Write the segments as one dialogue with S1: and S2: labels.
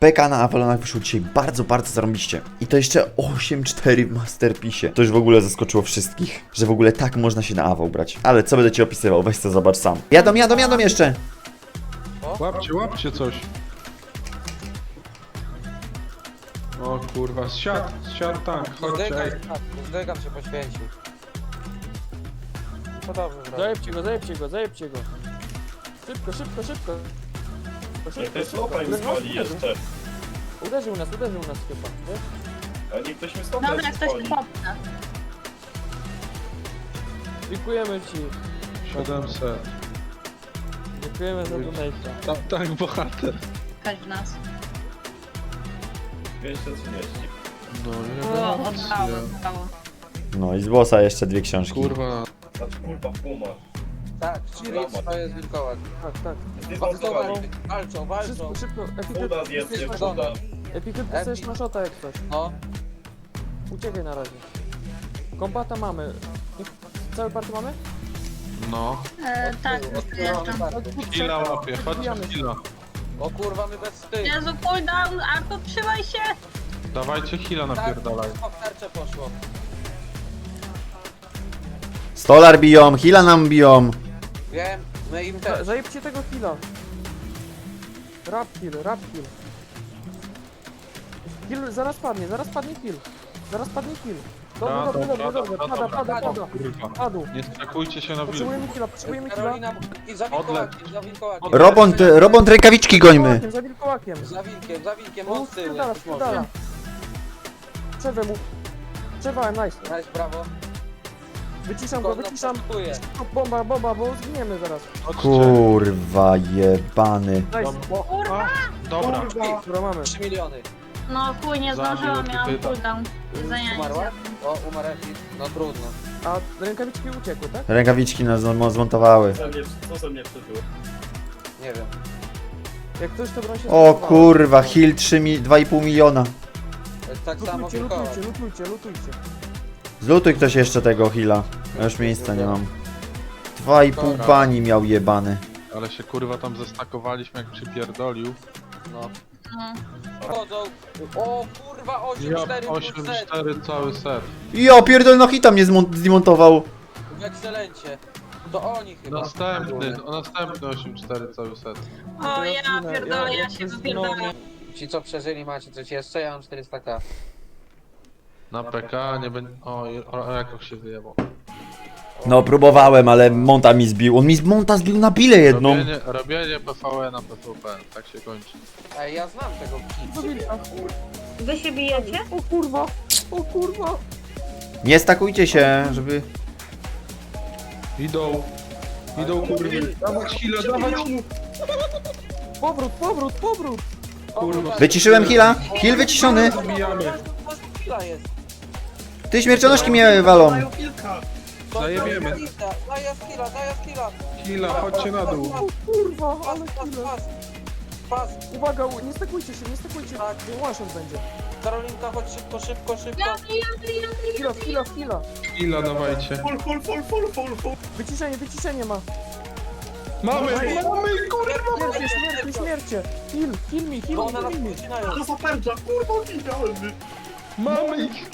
S1: PK na Avalonach wyszło dzisiaj bardzo, bardzo zarąbiście. I to jeszcze 8-4 w Masterpiece. To już w ogóle zaskoczyło wszystkich, że w ogóle tak można się na Aval brać. Ale co będę ci opisywał, weź to zobacz sam. Jadą jeszcze!
S2: Łapcie coś. O kurwa, zsiadł tank, chodźcie. Ej.
S3: Zdygam się poświęcił. No dobrze,
S4: Zajebcie go. Szybko.
S5: To jest chłopa im zwoli jeszcze.
S4: Uderzył nas chyba, wiesz?
S5: A niech ktoś mi stopę
S6: Dobra, ktoś
S5: zwoli.
S6: popna.
S4: Dziękujemy ci.
S2: 700.
S4: Dziękujemy za donate'a.
S2: Tak, bohater.
S6: Chodź w nas.
S5: 230.
S2: No,
S6: O,
S2: elegancko.
S6: oddało.
S1: No i z bossa jeszcze 2 książki.
S2: Kurwa.
S5: Znaczy kurwa puma.
S3: Tak, Chiric to jest wilkołak.
S4: Tak.
S5: Zdezmontowali.
S3: Walczą.
S4: Szybko.
S5: Udas jest, jest uda.
S4: Epikyt dostajesz na shota jak coś.
S3: No,
S4: Uciekaj na razie. Kombata mamy. Cały party mamy?
S2: No.
S6: Tak, już przyjeżdżam.
S2: Hila łapie, chodźcie w hila.
S3: o kurwa, my bez tych.
S6: Jezu, cooldown, Arto, trzymaj się!
S2: Dawajcie hila napierdalaj.
S3: Tak, w tarczę poszło.
S1: Stolar biją, Hila nam biją.
S3: Wiem, my im też.
S4: Zajebcie tego killa. Rap kill. Kill, zaraz padnie kill. Dobrze, pada.
S2: Kurwa.
S4: Padł.
S2: Nie stakujcie się na wilku.
S4: Potrzebujemy killa.
S3: Karolina i za wilkołakiem, za wilkołakiem.
S1: Robont rękawiczki gońmy.
S4: Za wilkołakiem.
S3: Za wilkiem,
S4: On
S3: on z tyłu,
S4: spierdala.
S3: jak może.
S4: Przerwę mu. Przerwałem, nice.
S3: Nice, brawo.
S4: Wyciszam go.
S3: Poczekuję.
S4: Bomba, bo zginiemy zaraz.
S2: Chodźcie.
S1: Kurwa jebany.
S4: Nice.
S2: Dobra.
S4: Dobra, mamy.
S3: 3 miliony.
S6: No chuj, nie zdążyłam, miałam cooldown.
S3: Umarła?
S6: Zajęcie.
S3: O, umarł Epic. No trudno.
S4: A rękawiczki uciekły, tak?
S1: Rękawiczki nas zmontowały.
S5: Co ze mnie przeżyło?
S3: Nie wiem.
S4: Jak ktoś to broń się
S1: O
S4: zmontowało.
S1: kurwa, Hill 2,5 miliona.
S3: Tak samo wilkołak.
S4: Lutujcie.
S1: Zlutuj ktoś jeszcze tego Hila. Ja już miejsca nie mam. 2,5 bani miał jebany.
S2: Ale się kurwa tam zestakowaliśmy jak przypierdolił.
S3: No.
S6: No.
S3: Chodzą. O kurwa, 8-4
S2: 8, 4 cały set.
S1: Ja pierdol, no hita mnie zdemontował.
S3: w ekscelencie. To oni chyba.
S2: Następny 8-4 cały set.
S6: O ja pierdolę, ja się wypierdolę.
S3: Ci co przeżyli macie coś jeszcze? Ja mam 400k.
S2: Na PK nie będzie. O, jak się wyjebał.
S1: No próbowałem, ale Monta mi zbił. On mi z Monta zbił na bilę jedną.
S2: Robienie PvE na PvP, tak się kończy.
S3: Ej, ja znam tego kit.
S6: Wy się bijecie?
S4: O kurwa.
S1: Nie stakujcie się, żeby...
S2: Idą kurwa. Dawać chwilę, dawać.
S4: Powrót.
S2: Kurwa.
S1: Wyciszyłem Hila. Hill wyciszony.
S2: Zabijamy.
S3: Chwila jest.
S1: Ty śmiercionożki mnie walą.
S2: Zajebiemy.
S3: Daję skilla.
S2: Hila, chodźcie na dół.
S4: Kurwa,
S3: Pas,
S4: ale
S3: pas,
S4: chwilę.
S3: pas.
S4: Uwaga, nie stakujcie się. One shot będzie.
S3: Karolinka, chodź szybko.
S4: Chwila.
S2: Hila dawajcie.
S5: Full.
S4: Wyciszenie ma.
S2: Mamy!
S4: Śmiercie. Heal me.
S3: Bo one nas wycinają.
S5: To za pędza, kurwa, idealny.
S2: Mamy ich!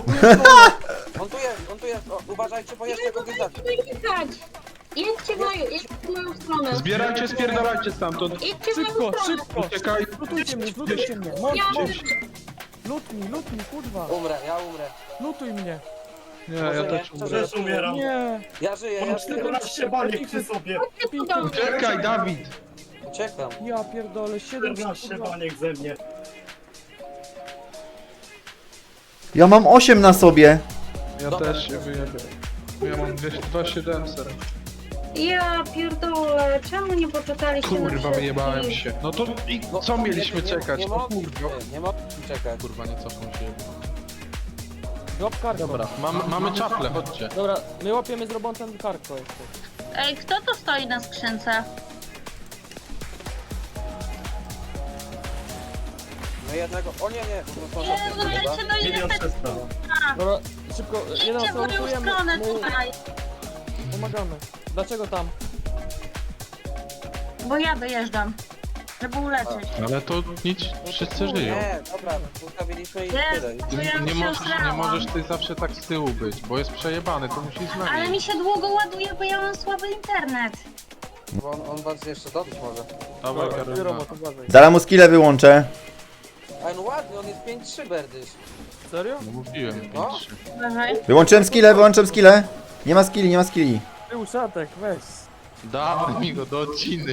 S3: On tu jest. O, uważajcie, bo jeszcze go wydacie.
S6: Jedźcie w moją stronę.
S2: Zbierajcie, spierdalajcie stamtąd.
S6: Idźcie w moją stronę.
S2: Uciekaj.
S4: Lutujcie mnie. Lut mi, kurwa.
S3: Ja umrę.
S4: Lutuj mnie.
S2: Nie, ja też umrę.
S5: Też umieram.
S4: Nie.
S3: Ja żyję.
S5: Mam 14 baniek przy sobie.
S2: Uciekaj, Dawid!
S3: Uciekam.
S4: Ja pierdolę,
S5: 14 baniek ze mnie.
S1: Ja mam 8 na sobie.
S2: Ja też się wyjebię. Ja mam 2700.
S6: Ja pierdolę, czemu nie poczekaliście na
S2: Kurwa,
S6: wszystkich?
S2: wyjebałem się. No to i co mieliśmy czekać?
S3: Nie
S2: No
S3: mogliśmy,
S2: kurwa.
S3: nie mogliśmy czekać.
S2: Kurwa, nie cofną się.
S4: Drop karko.
S2: Dobra, mamy czaple, chodźcie.
S4: Dobra, my łapiemy z robotem karko jeszcze.
S6: Ej, kto tu stoi na skrzynce?
S3: No jednego. O nie. No to
S6: Jezu, ja się no ile
S5: Milion
S6: tak
S5: 300.
S4: Dobra, szybko, jeden
S6: idźcie w moją
S4: lutujemy,
S6: stronę
S4: mu
S6: tutaj.
S4: pomagamy. Dlaczego tam?
S6: Bo ja dojeżdżam. żeby uleczyć.
S2: Ale to nic, wszyscy żyją.
S3: Nie, dobra, ustawiliśmy i tyle.
S6: Jest, bo ja
S2: Nie
S6: się
S2: możesz, nie
S6: osrałam.
S2: możesz ty zawsze tak z tyłu być, bo jest przejebany, to musisz
S6: Ale
S2: zmienić.
S6: mi się długo ładuje, bo ja mam słaby internet.
S3: Bo on was jeszcze dobić może.
S2: Dawaj,
S4: Biuro,
S2: Karolina.
S4: bo to uważaj.
S1: Zaraz mu skillę wyłączę.
S3: Ale no ładny, on jest 5-3 berdysz.
S4: Serio?
S2: No mówiłem,
S3: No.
S2: 5-3.
S6: Uważaj.
S1: Wyłączyłem skillę, wyłączyłem skillę. Nie ma skilli, nie ma skilli.
S4: Ty uszatek, weź.
S2: Dawaj mi go do odciny.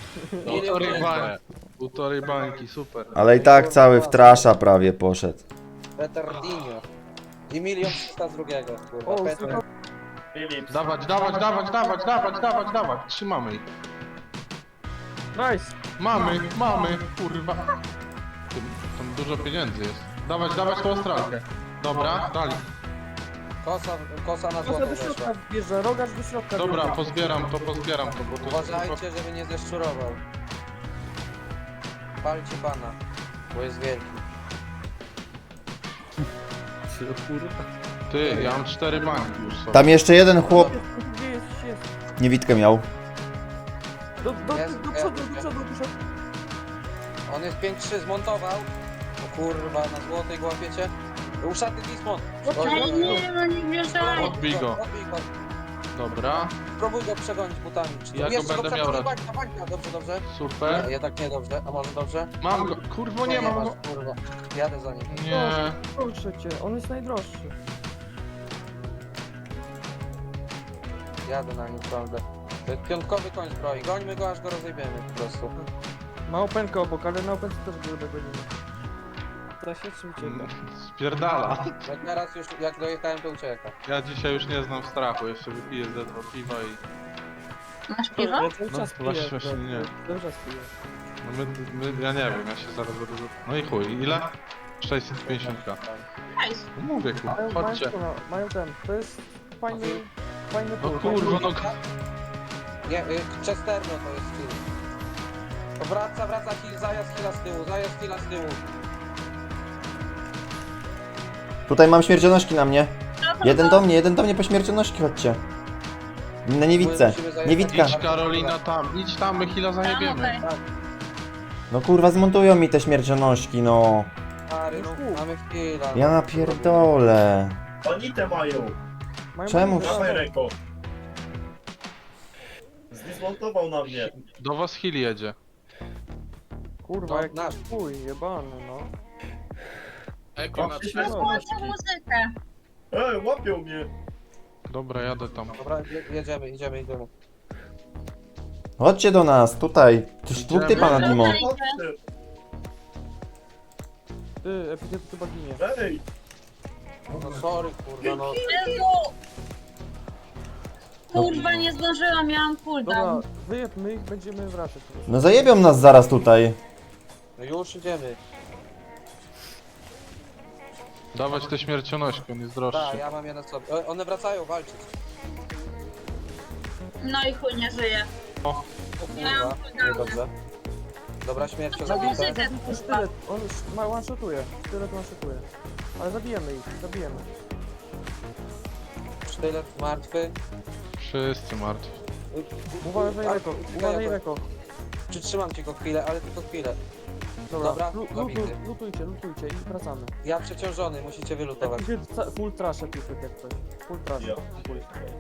S2: Półtorej bańki, super.
S1: Ale i tak cały w trasza prawie poszedł.
S3: Petardinho. I 1 300 z drugiego, kurwa.
S4: O,
S3: Peter.
S4: słuchaj.
S5: Philips.
S2: Dawać, trzymamy ich.
S4: Nice.
S2: Mamy, kurwa. Tam dużo pieniędzy jest. Dawać tą ostralkę. Dobra, dali.
S3: Kosa na
S4: Kosa
S3: złoto
S4: do
S3: weszła.
S4: środka wjeżdża, rogaż do środka.
S2: Dobra,
S4: wjeżdża.
S2: pozbieram to, bo to
S3: Uważajcie, żeby nie zeszczurował. Palcie pana, bo jest wielki.
S2: Ty, ja mam 4 bańki już sobie.
S1: Tam jeszcze jeden chłop
S4: Gdzie jest?
S1: niewidkę miał.
S4: Do
S3: Jest,
S4: przodu,
S3: jest.
S4: do przodu.
S3: On jest 5-3, zmontował. O kurwa, na złotej go łapiecie. Uszaty Dismon.
S6: Ej, nie, no nie wjeżdżaj.
S2: Odbij go.
S3: Odbij go.
S2: Dobra,
S3: Spróbuj go przegonić butami.
S2: Ja go będę miał raczej.
S3: Bańka, dobrze.
S2: super.
S3: Jednak nie dobrze, a może dobrze?
S2: Mam go, kurwo nie mam
S3: masz,
S2: go.
S3: kurwa. Jadę za nim.
S2: Nie.
S4: Proszę cię, on jest najdroższy.
S3: Jadę na nim, prawda. To jest piątkowy koń zbroi. Gońmy go, aż go rozjebiemy po prostu.
S4: Ma openkę obok, ale na opence też go dogonimy. Teraz się czy ucieka?
S2: Spierdala.
S3: Jak teraz już, jak dojechałem, to ucieka.
S2: Ja dzisiaj już nie znam strachu, jeszcze wypiję ze 2 piwa i...
S6: Masz piwo?
S4: Ja cały
S2: No,
S4: czas
S2: właśnie,
S4: piję,
S2: właśnie nie.
S4: Cały czas piję.
S2: No ja nie wiem, ja się zaraz będę... No i chuj, ile? 650.
S6: Nice.
S2: No mówię kurwa,
S4: Mają,
S2: chodźcie.
S4: mają ten, to jest fajny
S2: No
S4: tour.
S2: kurwa, no...
S3: Nie, Chesterno to jest skill. To wraca, heal, zajazd heala z tyłu.
S1: Tutaj mam śmiercionośki na mnie. Jeden do mnie po śmiercionośki, chodźcie. Na niewidce.
S3: Musimy zajechać.
S1: Niewidka.
S2: Idź Karolina tam, idź tam, my chwilę zajebiemy.
S6: Okej.
S1: No kurwa, zmontują mi te śmiercionośki, no.
S3: Stary, no, mamy heala.
S1: Ja napierdolę.
S5: Panitę mają.
S4: Mają
S1: Czemu?
S5: Dawaj Reko. Zdismontował na mnie.
S2: Do was Hill jedzie.
S4: Kurwa,
S3: No,
S4: jak
S3: nasz.
S4: chuj, jebany, no.
S2: Eko
S5: na
S6: Rozłączę muzykę.
S5: Łapią mnie.
S2: Dobra, jadę tam.
S3: Dobra, jedziemy.
S1: Chodźcie do nas, tutaj. Tuż dwóch typa na Dimo.
S5: Chodźcie.
S4: Ty, epidemia chyba ginie.
S5: Ej.
S3: No sorry, kurwa, no.
S6: Jezu! Kurwa, nie zdążyłam, miałam cooldown.
S4: Dobra, wyjebmy ich, będziemy wracać. po prostu.
S1: No zajebią nas zaraz tutaj.
S3: No już idziemy.
S2: Dawać te śmiercionośki, on jest
S3: Tak,
S2: droższy.
S3: ja mam je na sobie. One wracają walczyć.
S6: No i chuj, nie żyje.
S3: O
S6: Miałam
S3: kurwa,
S6: cooldowna.
S3: dobrze. Dobra, śmierć
S6: To
S3: zabita.
S6: muzykę,
S4: To jest sztylet, on one-shotuje. Sztylet one-shotuje. Ale zabijemy ich, zabijemy.
S3: Sztylet martwy.
S2: Wszyscy martwi.
S4: Uważaj Reko, uważaj Reko.
S3: Przytrzymam cię go chwilę, ale tylko chwilę.
S4: Dobra,
S3: Dobra, zabity.
S4: lutujcie i wracamy.
S3: Ja przeciążony, musicie wylutować.
S4: Full trash pipek jak coś. Full trash.
S5: Ja.
S4: Full.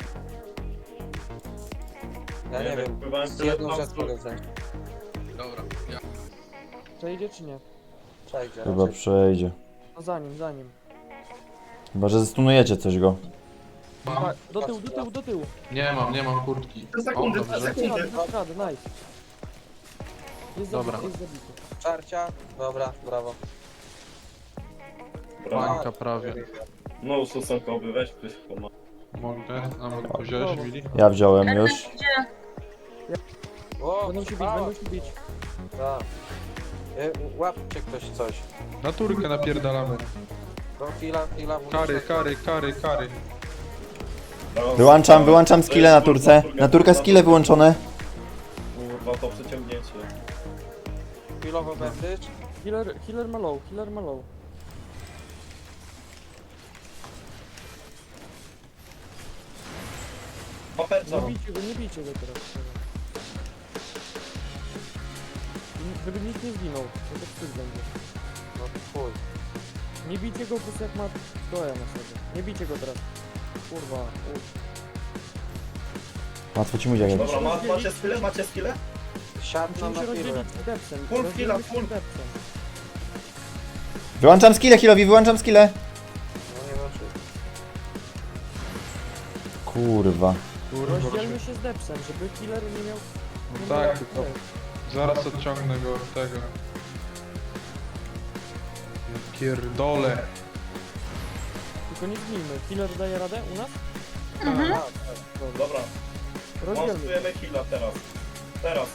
S3: Ja nie wiem,
S5: Wpływałem
S3: z
S5: tyle
S3: jedną
S5: na
S3: rzecz
S5: wschód.
S3: mogę wziąć.
S2: Dobra, ja.
S4: Przejdzie czy nie?
S3: Przejdzie.
S1: Chyba
S3: raczej.
S1: przejdzie.
S4: No za nim.
S1: Chyba, że zestunujecie coś go.
S2: Mam.
S4: Do tyłu.
S2: Nie mam kurtki.
S5: Te sekundy,
S2: O,
S5: te
S2: dobrze.
S5: sekundy.
S4: Dasz radę, nice. Jest
S2: Dobra.
S4: zabity, jest zabity.
S3: Czarcia, dobra, brawo.
S2: Bańka prawie.
S5: No stosunkowy, weź ktoś pomag.
S2: Mogę? A mogę wziąć, Willi?
S1: Ja wziąłem już.
S6: Gdzie?
S3: O,
S4: Będą się bić,
S3: brawo.
S4: będą się bić.
S3: Tak. Łapcie ktoś coś.
S2: Na turkę napierdalamy.
S3: Do chwila.
S2: Kary.
S1: Wyłączam skille na turce. Na turkę skille wyłączone.
S5: Kurwa, to przeciągnięcie.
S3: Chwilowo bandage.
S4: Healer ma low.
S5: Papeczka.
S4: Nie bijcie go teraz. żeby nikt nie zginął, to tak wstyd będzie.
S3: No chuj.
S4: Nie bijcie go po prostu jak ma doja na sobie. Nie bijcie go teraz. Kurwa,
S1: Łatwo ci mówię, jak
S5: Dobra, macie skille? Macie skille?
S3: Siadł nam
S4: musimy
S3: na
S4: się
S3: firmę.
S4: rozdzielić z depsem.
S5: Full
S4: Rozdzielmy
S5: heala,
S4: się
S5: full.
S4: z depsem.
S1: Wyłączam skille, Hilowi, wyłączam skille.
S3: No nie wiem czy...
S1: Kurwa.
S4: Rozdzielmy się z depsem, żeby killer nie miał...
S2: No
S4: nie
S2: tak,
S4: miał-
S2: tylko zaraz odciągnę go od tego. Ja pierdolę.
S4: Tylko nie zgnijmy. Killer daje radę u nas?
S3: Dobra.
S5: Dobra,
S4: Rozdzielmy.
S5: monstujemy heala teraz. Teraz.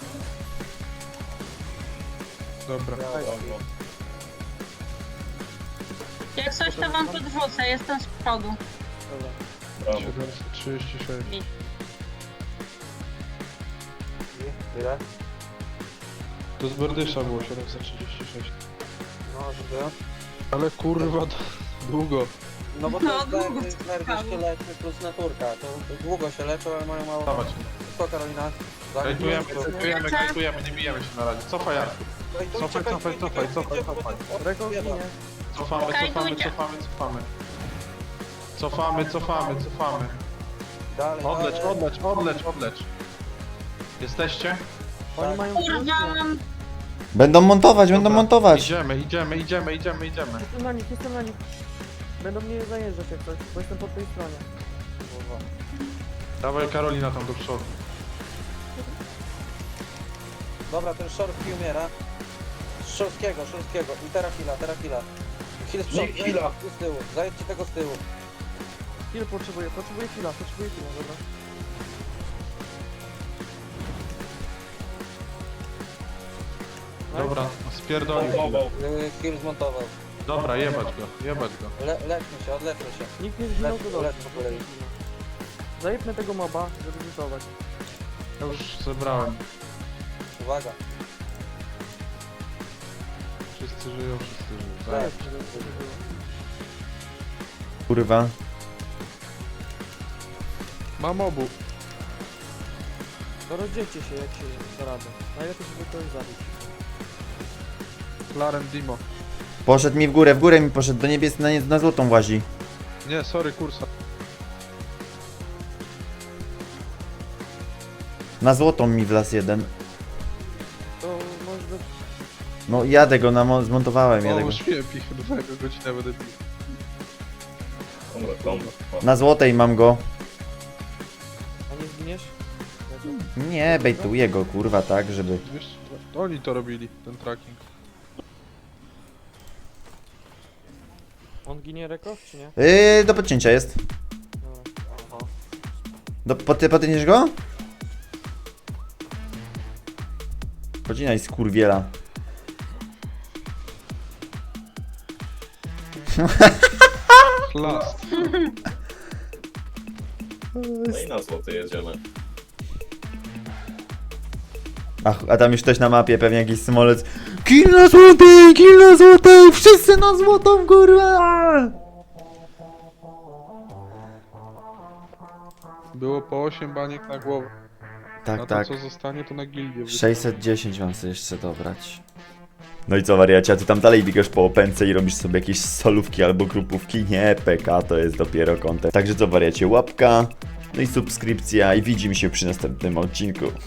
S2: Dobra.
S5: Dobra.
S6: Jak coś to wam podrzucę, jestem z przodu.
S4: Dobra.
S5: Brawo.
S2: 736.
S3: Ile?
S2: To z Berdysza było 736.
S3: No, żeby...
S2: Ale kurwa, to długo.
S3: No bo to
S6: No,
S3: jest
S6: długo
S3: nerwy się leczy plus naturka. To długo się leczą, ale mają mało...
S2: Dawać.
S3: Co Karolina?
S2: Kajtujemy,
S3: Zaginiesz?
S2: nie bijemy się na razie. Cofaj, Jarku. Cofaj.
S4: Rekord ginie.
S2: Cofamy.
S3: Dalej,
S2: Odlecz. Jesteście?
S4: Oni mają...
S6: Kurwa, mam...
S1: Będą montować, będą
S2: Dobra,
S1: montować.
S2: Idziemy.
S4: Jestem na nich. Będą mnie zajeżdżać jak coś, bo jestem po tej stronie.
S2: Dawaj Karolina tam do przodu.
S3: Dobra, ten Szorski umiera. Szorskiego. I teraz Hila. Hil z przodu,
S5: Nikt Hila.
S3: z tyłu. Zajedźcie tego z tyłu.
S4: Kill potrzebuję killa, dobra.
S2: Dobra, spierdolił.
S5: Montował.
S3: Hil zmontował.
S2: Dobra, jebać go.
S3: Leczmy się, odleczmy się.
S4: Nikt nie zginął, to dobrze.
S3: Lecz po kolei.
S4: Zajebmy tego moba, żeby rzutować.
S2: Ja już zebrałem.
S3: Uwaga.
S2: Wszyscy żyją. Tak.
S3: Zajeb.
S1: Kurwa.
S2: Mam obu.
S4: To rozdzielcie się jak się da radę. Najlepiej żeby kogoś zabić.
S2: Clarem Dimo.
S1: Poszedł mi w górę mi poszedł, do niebies na złotą łazi.
S2: Nie, sorry, kursa.
S1: Na złotą mi wlazł jeden.
S4: To może być...
S1: No jadę go, zmontowałem, jadę
S2: O,
S1: go.
S2: śmiję pichę, godzinę będę bił.
S5: Dobra, kombo.
S1: Na złotej mam go.
S4: A nie zginiesz?
S1: Nie, bejtuję go, kurwa, tak, żeby...
S2: Wiesz, to oni to robili, ten tracking.
S4: On ginie rekord, czy nie?
S1: Do podcięcia jest.
S4: Dobra.
S1: Podcięciesz go? Podcinaj skurwiela.
S2: Chlast.
S5: No i na złoty jedziemy.
S1: A tam już ktoś na mapie, pewnie jakiś smolec. Kill na złotej, wszyscy na złotą, kurwa!
S2: Było po 8 baniek na głowę.
S1: Tak,
S2: Na
S1: tak.
S2: to co zostanie to na gildię.
S1: 610 mam sobie jeszcze dobrać. No i co wariacie, a ty tam dalej biegasz po opęce i robisz sobie jakieś solówki albo grupówki? Nie, PK to jest dopiero content. Także co wariacie, łapka, no i subskrypcja i widzimy się przy następnym odcinku.